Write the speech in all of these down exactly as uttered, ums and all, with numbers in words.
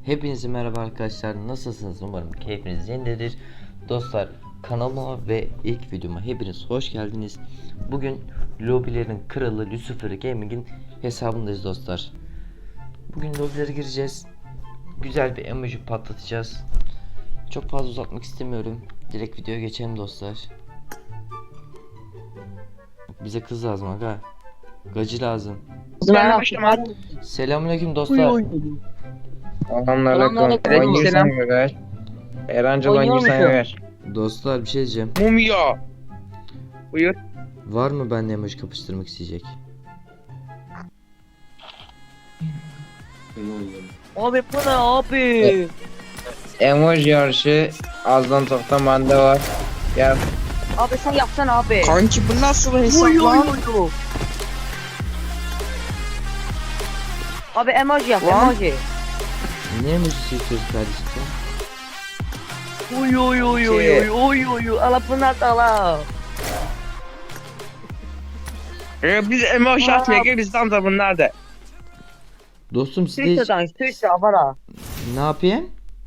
Hepinize merhaba arkadaşlar, nasılsınız? Umarım keyfiniz yerindedir. Dostlar, kanalıma ve ilk videoma hepiniz hoş geldiniz. Bugün lobilerin kralı Lucifer Gaming'in hesabındayız dostlar. Bugün lobilere gireceğiz. Güzel bir emoji patlatacağız. Çok fazla uzatmak istemiyorum. Direkt videoya geçelim dostlar. Bize kız lazım aga. Gacı lazım. Selamünaleyküm dostlar. Selamünaleyküm. Aleykümselam. Erancıl Oynuyor hangi sana musun? ver? Dostlar bir şey diyeceğim. Mumya. Buyur. Var mı benimle emoji kapıştırmak isteyecek? Abi bu ne abi? Emoji yarışı azdan çoktan bende var. Gel. Abi sen yapsana abi. Kanki bu nasıl hesap Uy, uy, lan? uy, uy. Abi emoji yap Lan. emoji. Ne emojisi istiyorsun kardeşim sen? Uy uy uy uy uy uy uy uy. Ala bu nasıl ala? Ee, biz emoji Aa. atmaya gel bizden de bunlar da. Dostum size hiç... Türkçeden Türkçe abara. Ne yapayım?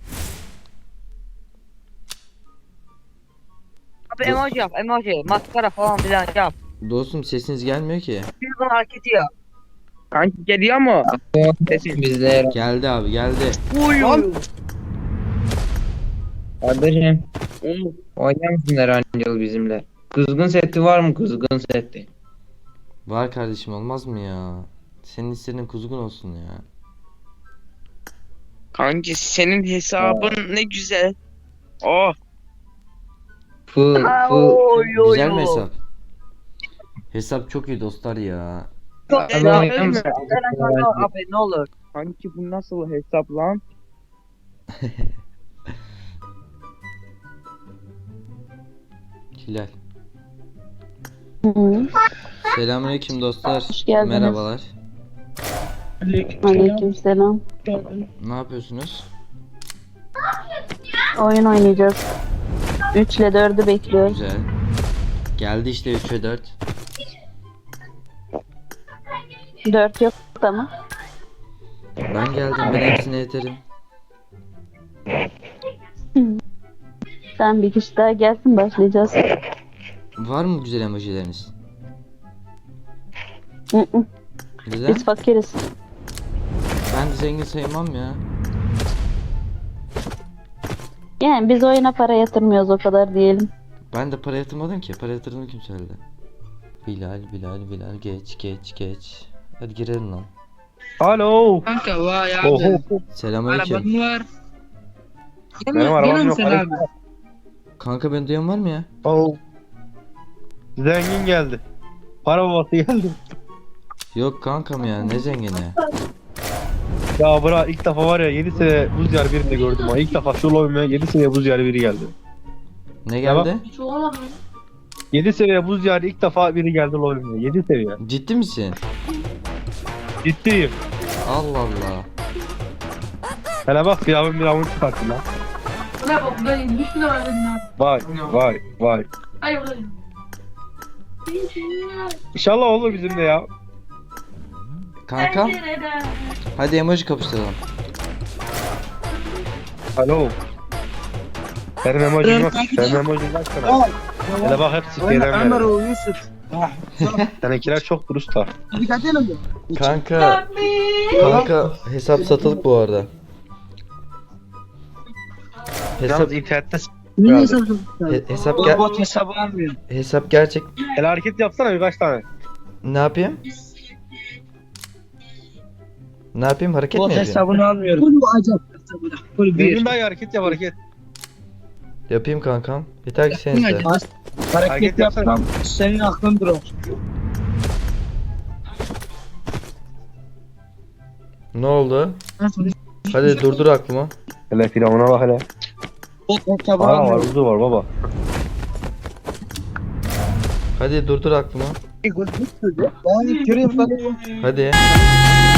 Abi emoji yap emoji. Maskara falan filan yap. Dostum sesiniz gelmiyor ki. Bir bunun hareketi yap. Kanki geliyor mu? Sesin bizde. Geldi abi geldi. Uy uy uy. Kardeşim. Oynar mısın Erancıl bizimle? Kızgın seti var mı kızgın seti? Var kardeşim, olmaz mı ya? Senin istediğin kuzgun olsun ya. Kanki senin hesabın ne güzel. Oh. Full Aa, full. Oy oy Güzel mi oy. hesap? Hesap çok iyi dostlar ya. Çok Abi, güzel. abi, Ölme. abi. Abi ne olur. Kanki bu nasıl hesap lan? Hilal. Hı, Selamünaleyküm dostlar. Hoş geldiniz. Merhabalar. Aleykümselam. Ne yapıyorsunuz? Oyun oynayacağız. üç ile dördü bekliyoruz. Güzel. Geldi işte üç ve dört. dört yok ama. Ben geldim, ben hepsine yeterim. Sen bir kişi daha gelsin, başlayacağız. Var mı güzel emojileriniz? Hı hı, Neden? Biz fakiriz. Ben de zengin sayılmam ya. Yani biz oyuna para yatırmıyoruz, o kadar diyelim. Ben de para yatırmadım ki. Para yatırdığını kim söyledi? Bilal, Bilal, Bilal geç, geç, geç. Hadi girelim lan. Alo. Kanka vay Oho. abi. Selamünaleyküm. Araban var. Benim arabam yok. Sen abi. Kanka beni duyan var mı ya? Oh. Zengin geldi. Para babası geldi. Yok kankam ya, ne zengini. Ya bırak, ilk defa var ya yedi sene buz yer birini gördüm ha. İlk defa şu lobime yedi sene buz yer biri geldi. Ne geldi? yedi seviye buz yer ilk defa biri geldi lobime. yedi seviye. Ciddi misin? Ciddiyim. Allah Allah. Hele bak bir avın bir avın çıkarttı lan. Ne bak ben yüz lira verdim ya. Vay vay vay. Hayır ulan. İnşallah olur bizim de ya. Kanka hadi emoji kapıştıralım. Alo. Benim emojim yok. Benim emojim kaç tane? Hele bak hepsi şeyden beri. Yusuf. Seninkiler çok dürüst ha. Kanka kanka hesap satılık bu arada. Hesap Yalnız internette s- Niye geldi. hesabın? he- hesap ger Bot hesabı almıyor. hesap gerçek. Hele hareket yapsana birkaç tane. Ne yapayım? Ne yapayım? Hareket mi Bot yapayım? hesabını almıyorum. Full acayip hesabı da. Full bir. Benim daha iyi hareket yap hareket. Yapayım kankam. Yeter ki sen iste. Hareket Hareket yapsana. yapsam senin aklın durur. Ne oldu? Hadi durdur aklımı. Hele firavuna bak hele. Bot hesabı Aa var almıyorum. uzu var baba. Hadi durdur aklımı. Ben göreyim ben. Hadi.